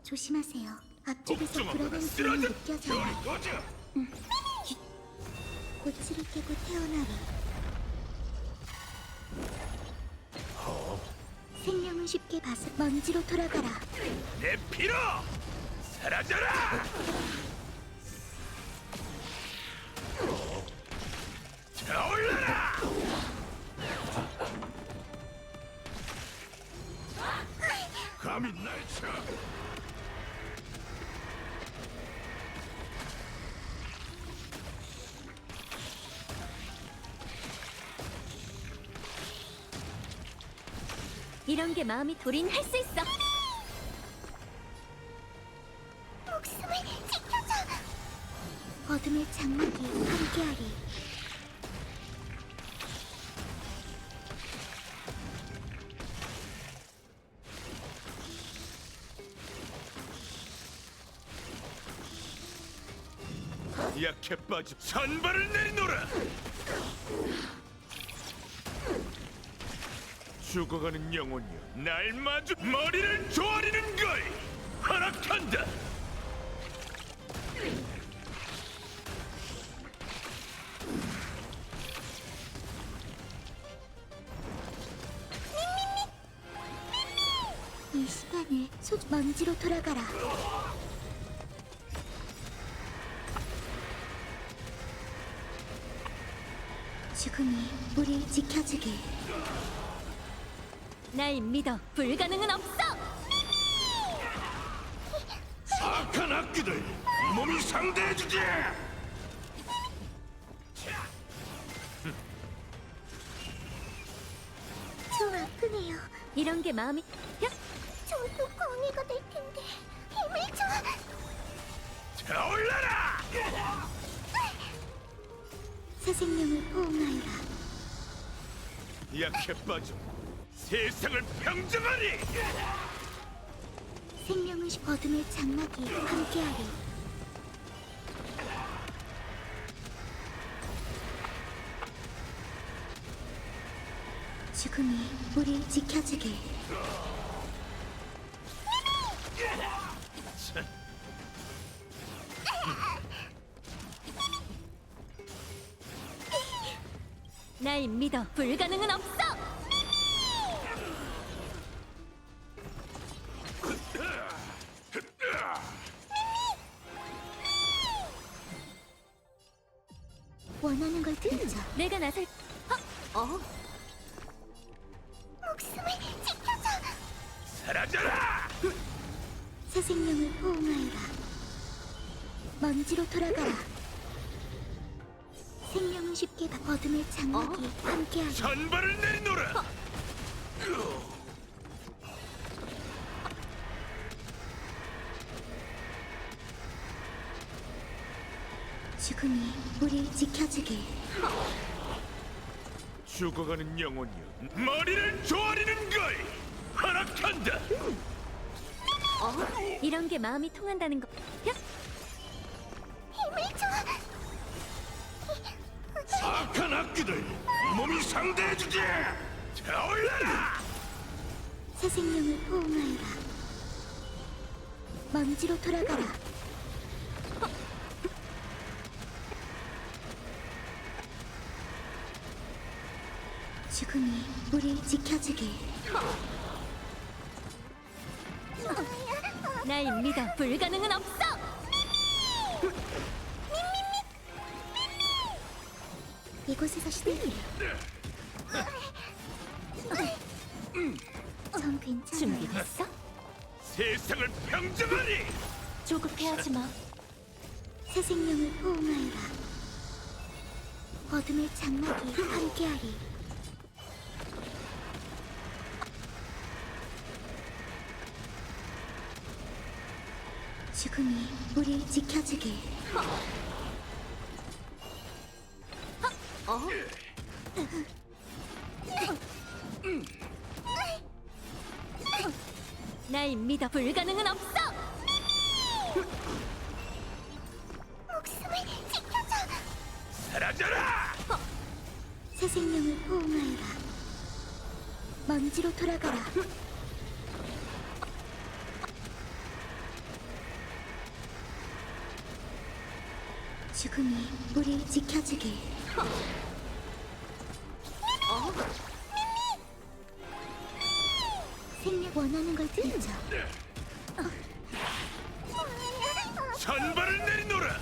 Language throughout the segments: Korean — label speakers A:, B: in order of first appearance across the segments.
A: 조심하세요. 앞쪽에서
B: 걱정하거나
A: 불안한 기운이
B: 쓰러져!
A: 느껴져요.
B: 별을 꺼져!
A: 고치를 깨고 태어나리. 생명은 쉽게 봐서 먼지로 돌아가라.
B: 내 피로! 사라져라! 타올라라! 감히 날 쳐!
C: 이런 게 마음이 우린 할 수 있어.
A: 목숨을 지켜줘. 어둠의 장막이 함께하리.
B: 약해 빠져 산발을 내리노라! 죽어가는 영혼이여 날 마주 머리를 조아리는 걸 허락한다!
A: 이 시간을 먼지로 돌아가라. 죽음이 우릴 지켜주길.
C: 날 믿어. 불가능은 없어.
B: 악한 악기들 몸이 상대해주지!
A: 좀 아프네요.
C: 이런 게 마음이 야!
A: 저도 광해가 될 텐데 힘을 줘.
B: 타올라라!
A: 새 생명을 포옹하여라.
B: 약해 빠져 세상을 평정하리!
A: 생명은 어둠의 장막이 함께하리. 죽음이 우릴 지켜주길.
C: 날 믿어. 불가능은 없어.
A: 원하는 걸 들자.
C: 내가 나설.
A: 목숨을 지켜줘.
B: 사라져라!
A: 새 생명을 포옹하여라. 먼지로 돌아가라. 생명은 쉽게 어둠의 장막이 함께하리.
B: 산발을 내리노라!
A: 죽음이 우릴 지켜주길.
B: 죽어가는 영혼이여 머리를 조아리는 걸 허락한다!
C: 이런 게 마음이 통한다는 거. 야!
A: 힘을 줘.
B: 악한 악기들 몸이 상대해주지! 타올라라!
A: 새 생명을 포옹하여라. 먼지로 돌아가라. 죽음이 우릴 지켜주길.
C: 날 믿어. 불가능은 없어.
A: 이곳에서 시들기를. 전 괜찮아요.
C: 준비됐어?
B: 세상을 평정하리!
C: 조급해하지 마.
A: 새 생명을 포옹하여라. 어둠의 장막이 함께하리. 죽음이 우릴 지켜주길.
C: 날 믿어. 불가능은 없어.
A: 목숨을 지켜줘.
B: 사라져라!
A: 새 생명을 포옹하여라. 먼지로 돌아가라. 죽음이 우릴 지켜주길. 생명 원하는 걸 들죠.
B: 산발을 내리노라.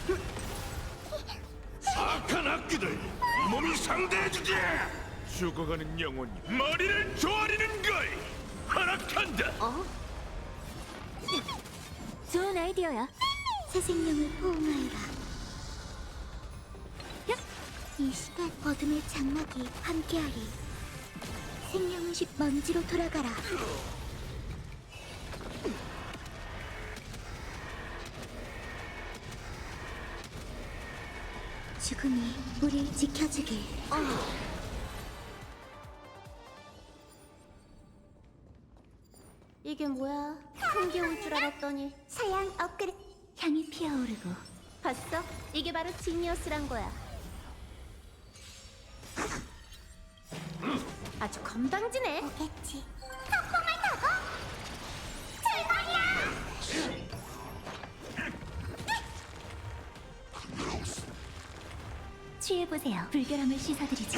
B: 악한 악귀들 몸이 상대해주지. 죽어가는 영혼이 머리를 조아리는 걸 허락한다.
C: 좋은 아이디어야.
A: 새 생명을 포옹하여라.
C: 야!
A: 이 시간 어둠의 장막이 함께하리. 생명은 먼지로 돌아가라. 죽음이 우릴 지켜주길.
D: 이게 뭐야? 한개 올 줄 알았더니
A: 서양 업그레.
C: 향이 피어오르고
D: 봤어? 이게 바로 지니어스란 거야. 아주 건방지네.
A: 오겠지. 폭풍을 타고 출발이야.
C: 취해보세요. 불결함을 씻어드리죠.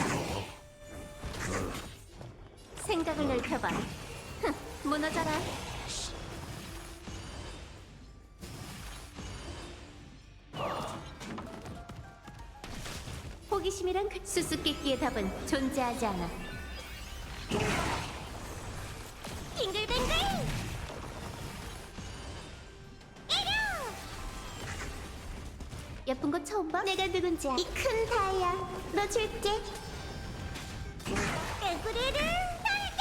D: 생각을 넓혀봐. 흥, 무너져라. 호기심이란 그 수수께끼의 답은 존재하지 않아.
A: 빙글빙글.
D: 예쁜 거 처음 봐?
A: 내가 누군지 이 큰 다이아 너 줄게. 개구리를 날려.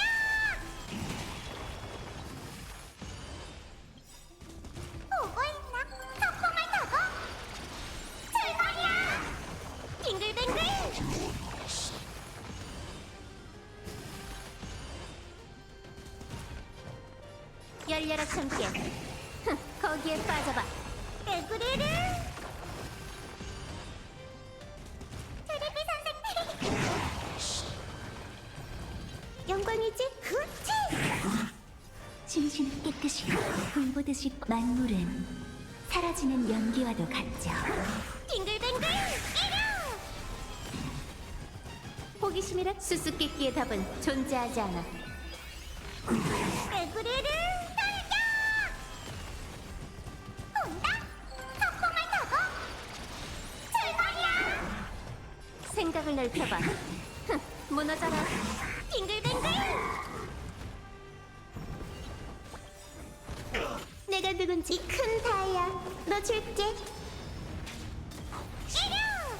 A: 보고 있나? 폭풍을 타고 출발이야. 빙글빙글.
D: 열려라 참깨. 흥, 거기에 빠져봐.
A: 개구리를. 테레비 선생님. 영광이지? 그치?
C: 심신은 깨끗이 불보듯이 만물은 사라지는 연기와도 같죠.
A: 빙글빙글. 이려.
D: 호기심이란 수수께끼의 답은 존재하지 않아.
A: 개구리를 날려. 온다. 폭풍을 타고 출발이야.
D: 생각을 넓혀봐. 흥, 무너져라.
A: 빙글빙글. 내가 누군지 이 큰 다이아 너 줄게. 이려.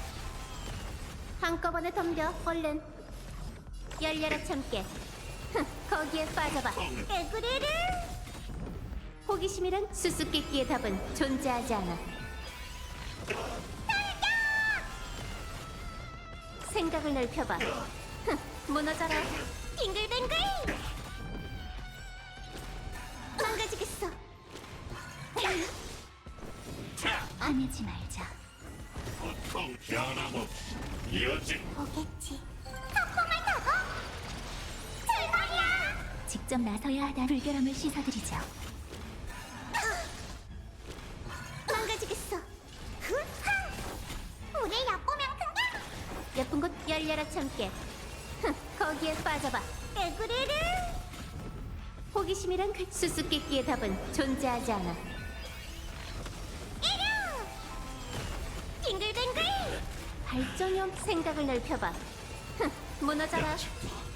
D: 한꺼번에 덤벼. 얼른. 열려라 참깨. 흥, 거기에 빠져봐.
A: 개구리를.
D: 호기심이란 수수께끼의 답은 존재하지 않아. 생각을 넓혀봐. 흥, 무너져라.
A: 빙글빙글. 망가지겠어.
C: 화내지 말자.
B: 고통 변함없이 이어진
A: 오겠지. 폭풍을 타고 출발이야.
C: 직접 나서야 하다 불결함을 씻어드리죠.
A: 망가지겠어. 흐하. 우리 얕보면 큰가?
D: 예쁜 곳 열려라 참깨. 흥, 거기에 빠져봐.
A: 개구리를.
D: 호기심이란 그 수수께끼의 답은 존재하지 않아.
A: 이려. 빙글빙글.
D: 발전형 생각을 넓혀봐. 흥, 무너져라.